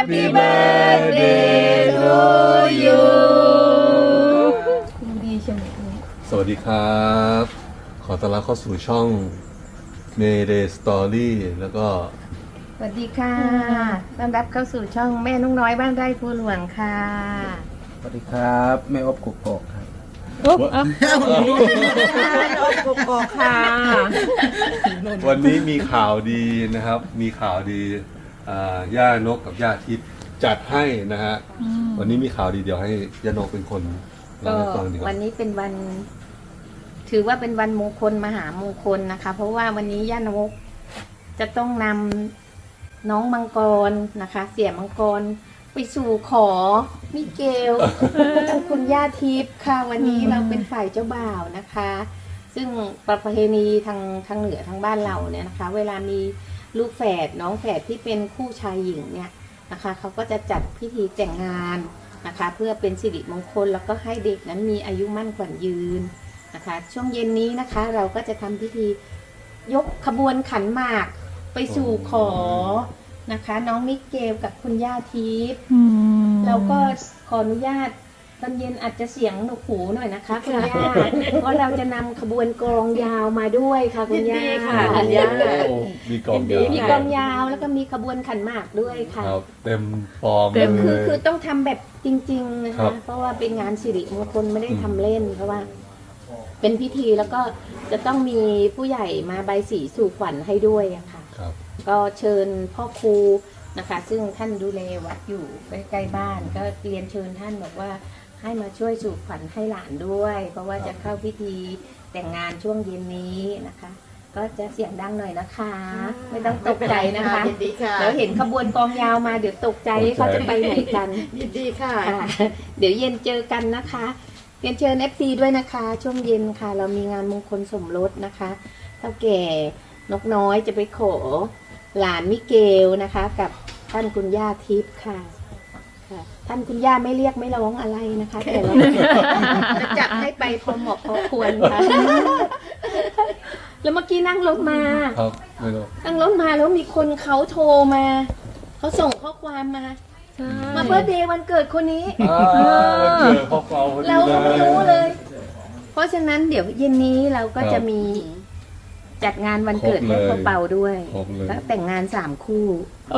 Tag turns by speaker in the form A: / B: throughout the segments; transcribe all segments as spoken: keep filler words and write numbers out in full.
A: Happy birthday to you ดูดีใช่ไหมสวัสดีครับ ขอต้อนรับเข้าสู่ช่อง Mayday Story แล้วก็
B: สวัสดีค่ะต้อนรับเข้าสู่ช่องแม่นุ่งน้อยบ้านไร่ภูหลวงค่ะ
C: สวัสดีครับแม่อบกุกกอกครับ
B: อุ๊บอ่ะอบกุกกอกค่ะ
A: วันนี้มีข่าวดีนะครับ มีข่าวดีย่านกกับย่าทิพย์จัดให้นะฮะวันนี้มีข่าวดีเดี๋ยวให้ย่านกเป็นคนเล่าให้ฟังดีกว่า
B: วันนี้เป็นวันถือว่าเป็นวันมงคลมหามงคลนะคะเพราะว่าวันนี้ย่านกจะต้องนำน้องมังกรนะคะเสี่ยมังกรไปสู่ขอมิเกลคุณย่าทิพย์ค่ะวันนี้เราเป็นฝ่ายเจ้าบ่าวนะคะ ซึ่งประเพณีทางทางเหนือทางบ้านเราเนี่ยนะคะเวลามีลูกแฝดน้องแฝดที่เป็นคู่ชายหญิงเนี่ยนะคะเขาก็จะจัดพิธีแต่งงานนะคะเพื่อเป็นสิริมงคลแล้วก็ให้เด็กนั้นมีอายุมั่นขวัญยืนนะคะช่วงเย็นนี้นะคะเราก็จะทำพิธียกขบวนขันหมากไปสู่ขอนะคะน้องมิเกลกับคุณย่าทิพย์เราก็ขออนุญาตตอนเย็นอาจจะเสียงหนวกหูหน่อยนะคะคุณย่าเพราะเราจะนำขบวนกลองยาวมาด้วยค่ะคุณย่าค่ะคุณย่า
A: มีกลองยาว
B: มีกลองยาวแล้วก็มีขบวนขันหมากด้วยค่ะ
A: เต็มฟอร์ม
B: เลยคือคือต้องทำแบบจริงๆนะคะเพราะว่าเป็นงานสิริมงคลไม่ได้ทำเล่นเพราะว่าเป็นพิธีแล้วก็จะต้องมีผู้ใหญ่มาใบสีสู่ขวัญให้ด้วยอะค่ะก็เชิญพ่อครูนะคะซึ่งท่านดูแลวัดอยู่ใกล้ๆบ้านก็เรียนเชิญท่านบอกว่าให้มาช่วยสู่ขวัญให้หลานด้วยเพราะว่าจะเข้าพิธีแต่งงานช่วงเย็นนี้นะคะก็จะเสียงดังหน่อยนะคะไม่ต้องตกใจนะคะเดี๋ยวเห็นขบวนกองยาวมาเดี๋ยวตกใจเขาจะไปไหนกัน
D: ยินดีค่ะ
B: เดี๋ยวเย็นเจอกันนะคะเรียนเชิญ เอฟ ซี ด้วยนะคะช่วงเย็นค่ะเรามีงานมงคลสมรสนะคะเท่าแก่นกน้อยจะไปขอหลานมิเกลนะคะกับท่านคุณย่าทิพย์ค่ะท่านคุณย่าไม่เรียกไม่ร้องอะไรนะคะแต่เราจะจับให้ไปพอเหมาะพอควรค่ะแล้วเมื่อกี้นั่งรถมา
A: ครับไม่รู้
B: นั่งรถมาแล้วมีคนเขาโทรมาเขาส่งข้อความมามาเบิร์ธเดย์วันเกิดคนนี้เราไม่รู้เลย เพราะฉะนั้นเดี๋ยวเย็นนี้เราก็จะมีจัดงานวันเกิดให้เขาเป่าด้วยแล้วแต่งงานสามคู่
D: โอ้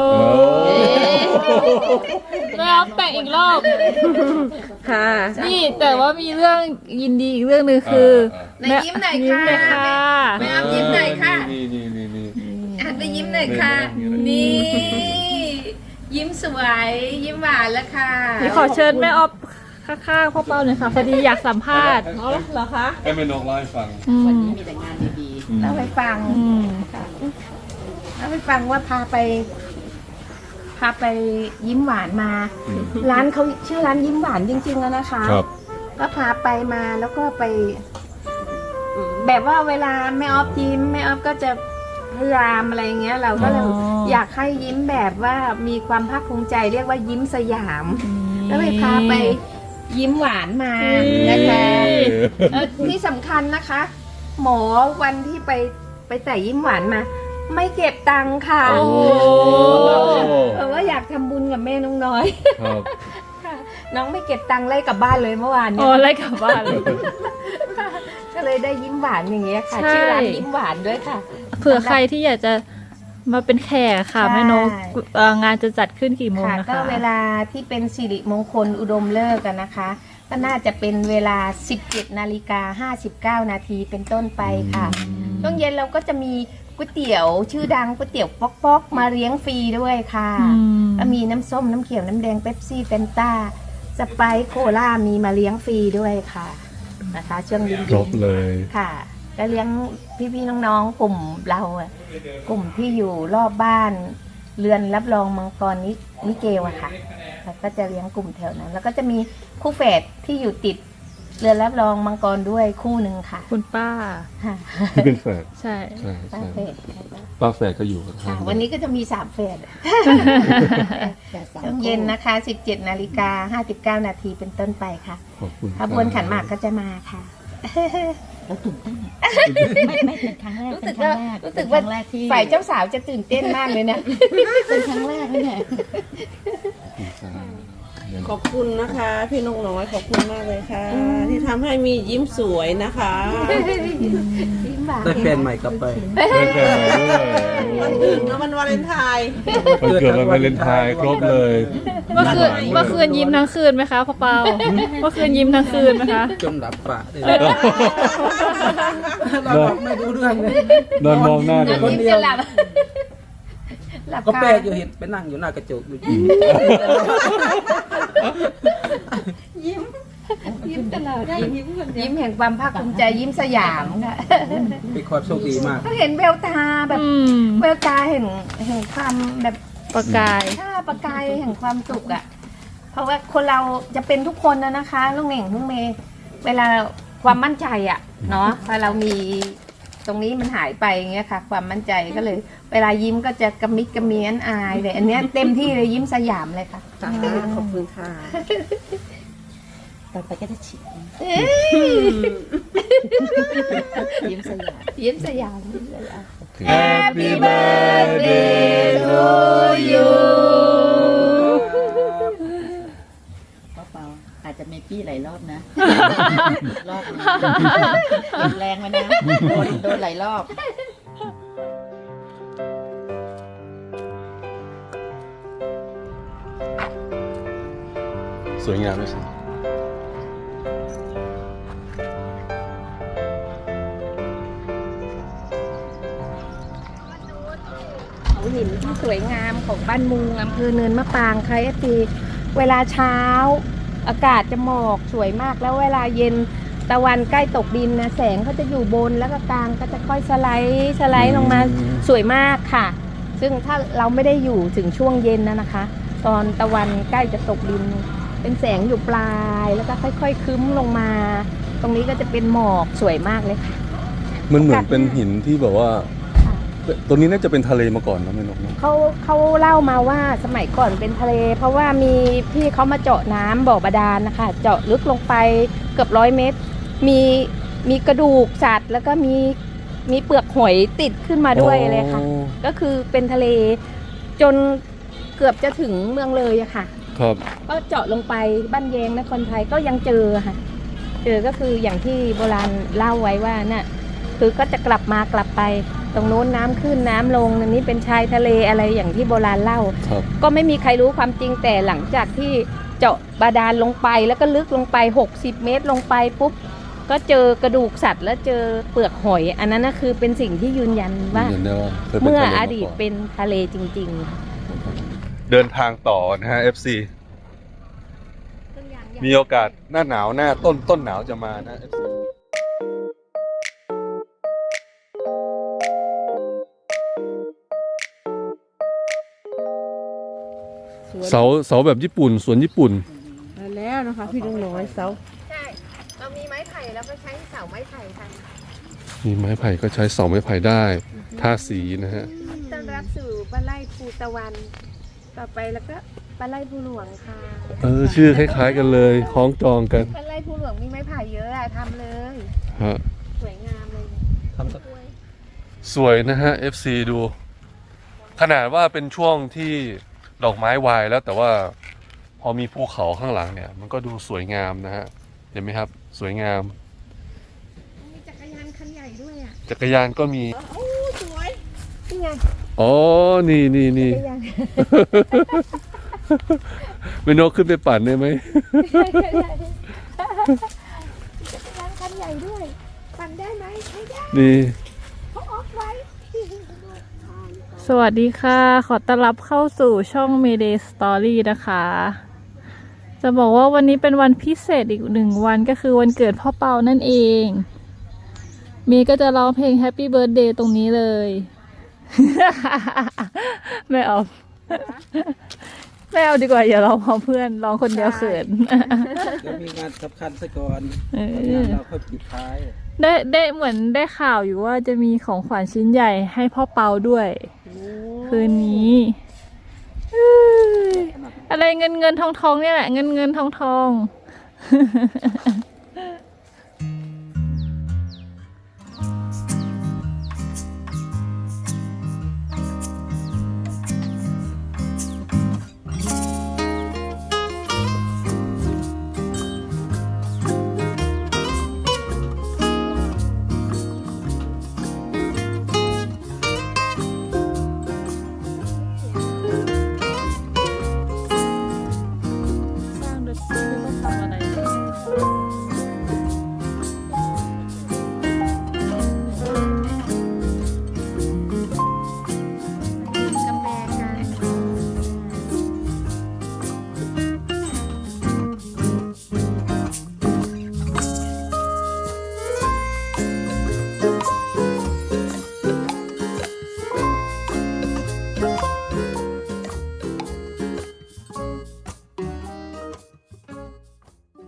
D: แล้วแต่งอีกรอบ
B: ค่ะ
D: นี่แต่ว่ามีเรื่องยินดีอีกเรื่องนึงคือ
B: ในยิ้มหน่อยค่ะแม่ยิ้มหน่อยค่ะ
A: นี่นี่นี่นี่
B: อ่ะไปยิ้มหน่อยค่ะนี่ยิ้มสวยยิ้มหวานแล้วค่ะ
D: นี่ขอเชิญแม่ออฟข้างๆพ่อเป้าหน่อยค่ะพอดีอยากสัมภาษณ์อ๋อเหรอคะ
A: ให้แม่นกเล่าให้ฟัง
B: วันนี้มีแต่งานดีๆเล่าให้ฟังเล่าให้ฟังว่าพาไปพาไปยิ้มหวานมาร้านเขาชื่อร้านยิ้มหวานจริงๆแล้วนะคะก็พาไปมาแล้วก็ไปแบบว่าเวลาแม่ออฟยิ้มแม่ออฟก็จะพยายามอะไรเงี้ยเราก็เลยอยากให้ยิ้มแบบว่ามีความภาคภูมิใจเรียกว่ายิ้มสยามแล้วเลยพาไปยิ้มหวานมานะคะที่สำคัญนะคะ หมอวันที่ไปไปใส่ยิ้มหวานมาไม่เก็บตังค่ะเพราะว่าอยากทำบุญกับแม่น้องน้อยน้องไม่เก็บตังค์ไล่กลับบ้านเลยเมื่อวาน
D: เนี่ยไล่กลับบ้านเลย
B: ก็เลยได้ยิ้มหวานอย่างเงี้ยค่ะชื่อร้านยิ้มหวานด้วยค่ะ
D: เผื่อใครที่อยากจะมาเป็นแขกค่ะแม่นกงานจะจัดขึ้นกี่โมงนะคะ
B: ก็เวลาที่เป็นสิริมงคลอุดมฤกษ์กันนะคะก็น่าจะเป็นเวลา สิบเจ็ดนาฬิกาห้าสิบเก้า นาทีเป็นต้นไปค่ะช่วงเย็นเราก็จะมีก๋วยเตี๋ยวชื่อดังก๋วยเตี๋ยวป๊อกป๊อกมาเลี้ยงฟรีด้วยค่ะก็มีน้ำส้มน้ำเขียวน้ำแดงเป๊ปซี่เฟนต้าสไปซ์โคลามีมาเลี้ยงฟรีด้วยค่ะนะคะช่วงเย็น
A: ครบเลย
B: ค่ะก็เลี้ยงพี่ๆน้องๆกลุ่มเรากลุ่มที่อยู่รอบบ้านเรือนรับรองมังกรนิมิเกลอะค่ะก็จะเลี้ยงกลุ่มแถวนั้นแล้วก็จะมีคู่แฝดที่อยู่ติดเรือนรับรองมังกรด้วยคู่หนึ่งค่ะ
D: คุณป้า
A: ที่เป็นแฝด
D: ใช่
A: ใช่
B: ป้าแฝด
A: ป้าแฝดก็อยู่
B: ค่ะวันนี้ก็จะมีสามแฝดช่วงเย็นนะคะ สิบเจ็ดนาฬิกาห้าสิบเก้า นาทีเป็นต้นไปค่ะ
A: ขอบคุณ
B: ขบวนขันหมากก็จะมาค่ะ
E: เราตื่นเต้นอะไม่ไม่เป็นครั้งแรก
B: รู้
E: เป็
B: สึ
E: น
B: ก
E: ครั้
B: ว่าง
E: แรก
B: รู้สึก
E: เป็น
B: ว่า
E: ครั้งแรกที่
B: ฝ่ายเจ้าสาวจะตื่นเต้นมากเลยนะ
E: เป็นครั้งแรกเลยเนี่ย
F: ขอบคุณนะคะ พี่นกน้อยขอบคุณมากเลยค่ะ ที่ทำให้มียิ้มสวยนะคะ
C: ได้แฟนใหม่กลับไป
A: ได้แฟนใหม่ด้วย
F: วันอื่นนะวันวาเลนไทน์
A: วันเกิดวันวาเลนไทน์ครบเลย
D: เมื่อคืนเมื่อคืนยิ้มทั้งคืนไหมคะพ่อเปาเมื่อคืนยิ้มทั้งคืนไหมคะ
C: จนหลับปะเลยเราบอกไม่รู้เรื่องเลย
A: นอนมองหน้ากัน
C: คนเดียว
B: หลับหลับ
C: ก็แปล
B: คาก
C: อยู่เห็นไปนั่งอยู่หน้ากระจกอยู่
B: ยิ้มตลอดยิ้มยิ้มแห่งความภาคภูมิใจยิ้มสยามค่ะ
C: เป็นความโชคดีมาก
B: เขาเห็นแววตาแบบ
D: อืม
B: แววตาเห็นเห็นความแบบ
D: ประกาย
B: ถ้าประกายแห่งความสุขอ่ะ เพราะว่าคนเราจะเป็นทุกคนนะนะคะลูกเหน่งลูกเมย์เวลาความมั่นใจอ่ะเนาะพอเรามีตรงนี้มันหายไปอย่างเงี้ยค่ะ ความมั่นใจก็เลย เวลายิ้มก็จะกระมิดกระเมียนอายเลยอันเนี้ยเต็มที่เลยยิ้มสยามเลยค่ะ
F: ขอบคุณค่ะ
E: ต่อไปก็จะฉีด
B: ยิ้มสยามยิ้มสยามยิ้มสยาม
A: Happy birthday to you
E: เปล่าๆอาจจะไม่ปี้หลายรอบนะ รอบนึงเก็บแรงไว้นะโดนโดนหลายรอบ
A: สวยงามไหมสิ
B: เขาหินที่สวยงามของบ้านมุงอำเภอเนินมะปรางค่ะเอฟซีเวลาเช้า อากาศจะหมอกสวยมากแล้วเวลาเย็นตะวันใกล้ตกดินนะแสงเขาจะอยู่บนแล้วก็กลางก็จะค่อยสไลด์สไลด์ลงมาสวยมากค่ะ ซึ่งถ้าเราไม่ได้อยู่ถึงช่วงเย็นนะนะคะ ตอนตะวันใกล้จะตกดิน เป็นแสงอยู่ปลายแล้วก็ค่อยๆคึ้มลงมา ตรงนี้ก็จะเป็นหมอกสวยมากเลยค่ะ
A: มันเหมือนเป็นหินที่แบบว่า
B: ค่ะ
A: ตัวนี้น่าจะเป็นทะเลมาก่อนนะแม่นกนะ
B: เขาเขาเล่ามาว่าสมัยก่อนเป็นทะเล เพราะว่ามีพี่เขามาเจาะน้ำบ่อบาดาลนะคะ เจาะลึกลงไปเกือบร้อยเมตร มีมีกระดูกสัตว์ แล้วก็มีมีเปลือกหอยติดขึ้นมาด้วยเลยค่ะ ก็คือเป็นทะเลจนเกือบจะถึงเมืองเลยอะค่ะ
A: ครับ
B: ก็เจาะลงไปบ้านแยงนครไทยก็ยังเจอค่ะ เจอก็คืออย่างที่โบราณเล่าไว้ว่าน่ะคือก็จะกลับมากลับไป ตรงโน้นน้ำขึ้นน้ำลงอันนี้เป็นชายทะเลอะไรอย่างที่โบราณเล่า
A: ครับ
B: ก็ไม่มีใครรู้ความจริงแต่หลังจากที่เจาะบาดาลลงไปแล้วก็ลึกลงไปหกสิบเมตรลงไปปุ๊บก็เจอกระดูกสัตว์ แล้วเจอเปลือกหอย อันนั้นนะคือเป็นสิ่งที่ยืนยันว่า
A: ยืนยันได้ว่าเคยเป็น
B: เมื่อ
A: ทะเล
B: อ
A: มา
B: ดีต
A: ก่อน
B: เป็นทะเลจริง ๆ ค่ะ
A: เดินทางต่อนะฮะ เอฟ ซี มีโอกาสหน้าหนาวหน้าต้นต้นหนาวจะมานะ เอฟ ซี เสาเสาแบบญี่ปุ่นสวนญี่ปุ่น
F: มาแล้วนะคะ พี่นกน้อยเสา
B: ใช่ เรามีไม้ไผ่แล้วก็ใช้เสาไม้ไผ่ค่ะ
A: มีไม้ไผ่ก็ใช้เสาไม้ไผ่ได้ทาสีนะฮะ
B: ต้อนรับสู่บ้านไร่ภูตะวัน ต่อไปแล้วก็บ้านไร่ภูหลวงค่ะ
A: เออ ชื่อคล้ายๆกันเลยคล้องจองกัน
B: บ้านไร่ภูหลวงมีไม้ไผ่เยอะอะทำเลย
A: ฮะ
B: สวยงามเลย
C: ทำสัก
A: สวยนะฮะ เอฟ ซี ดู ขนาดว่าเป็นช่วงที่ดอกไม้วายแล้วแต่ว่าพอมีภูเขาข้างหลังเนี่ย มันก็ดูสวยงามนะฮะ เห็นไหมครับ สวยงาม
B: มีจักรยานคันใหญ่ด้วยอ่ะ
A: จักรยานก็มี
F: โอ้สวย
B: นี่ไง
A: อ๋อ นี่นี่นี่
B: จักรยาน
A: ไม่นกขึ้นไปปั่นได้ไหม
B: จักรยานคันใหญ่ด้วย ปั่นได้ไหมไม่ได้
A: นี่
B: เขาออกไว้
D: สวัสดีค่ะ ขอต้อนรับเข้าสู่ช่อง Mayday Story นะคะ จะบอกว่าวันนี้เป็นวันพิเศษอีกหนึ่งวันก็คือวันเกิดพ่อเปานั่นเอง มีก็จะร้องเพลง Happy Birthday ตรงนี้เลย ไม่เอา ไม่เอาดีกว่าอย่าร้องพร้อมเพื่อนร้องคนเดียวเขิน
C: เดี๋ยวมีงานสำคัญซะก่อน
D: เออ
C: งานเราค่อยปิดท้าย
D: ได้ได้เหมือนได้ข่าวอยู่ว่าจะมีของขวัญชิ้นใหญ่ให้พ่อเปาด้วย คืนนี้เอ้ยอะไรเงินเงินทองทองเนี่ยแหละเงินเงินทองทอง